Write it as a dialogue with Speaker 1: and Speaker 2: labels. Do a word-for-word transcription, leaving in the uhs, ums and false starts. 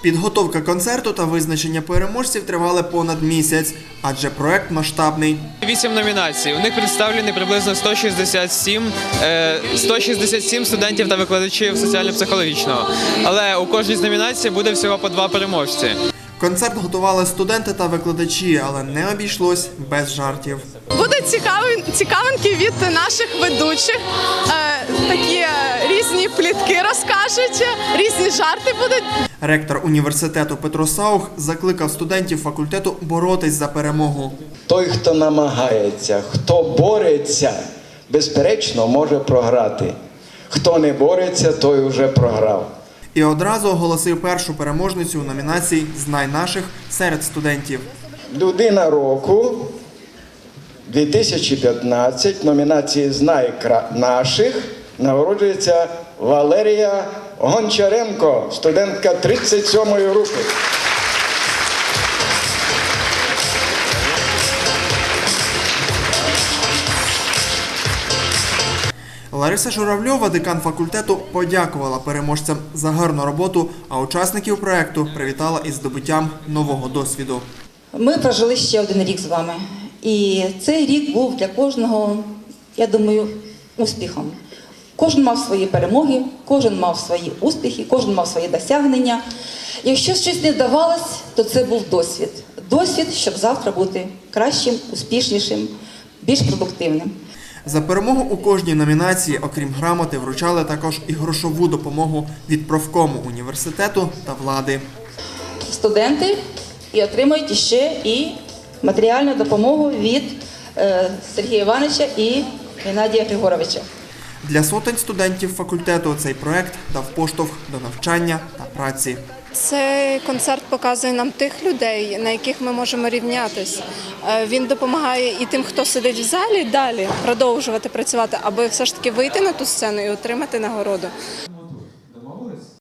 Speaker 1: Підготовка концерту та визначення переможців тривали понад місяць, адже проект масштабний.
Speaker 2: Вісім номінацій. У них представлені приблизно сто шістдесят сім, сто шістдесят сім студентів та викладачів соціально-психологічного. Але у кожній з номінацій буде всього по два переможці.
Speaker 1: Концерт готували студенти та викладачі, але не обійшлось без жартів.
Speaker 3: Будуть цікаві, цікавинки від наших ведучих, е, такі е, різні плітки розкажуть, різні жарти будуть.
Speaker 1: Ректор університету Петро Саух закликав студентів факультету боротись за перемогу.
Speaker 4: Той, хто намагається, хто бореться, безперечно, може програти. Хто не бореться, той вже програв.
Speaker 1: І одразу оголосив першу переможницю у номінації «Знай наших» серед студентів.
Speaker 4: Людина року дві тисячі п'ятнадцять в номінації «Знай наших» нагороджується Валерія Гончаренко, студентка тридцять сьомої групи.
Speaker 1: Лариса Журавльова, декан факультету, подякувала переможцям за гарну роботу, а учасників проєкту привітала із здобуттям нового досвіду.
Speaker 5: Ми прожили ще один рік з вами. І цей рік був для кожного, я думаю, успіхом. Кожен мав свої перемоги, кожен мав свої успіхи, кожен мав свої досягнення. Якщо щось не вдавалось, то це був досвід. Досвід, щоб завтра бути кращим, успішнішим, більш продуктивним.
Speaker 1: За перемогу у кожній номінації, окрім грамоти, вручали також і грошову допомогу від профкому університету та влади.
Speaker 5: Студенти і отримують ще і матеріальну допомогу від е, Сергія Івановича і Геннадія Григоровича.
Speaker 1: Для сотень студентів факультету цей проєкт дав поштовх до навчання та праці.
Speaker 6: Цей концерт показує нам тих людей, на яких ми можемо рівнятись. Він допомагає і тим, хто сидить в залі, далі продовжувати працювати, аби все ж таки вийти на ту сцену і отримати нагороду.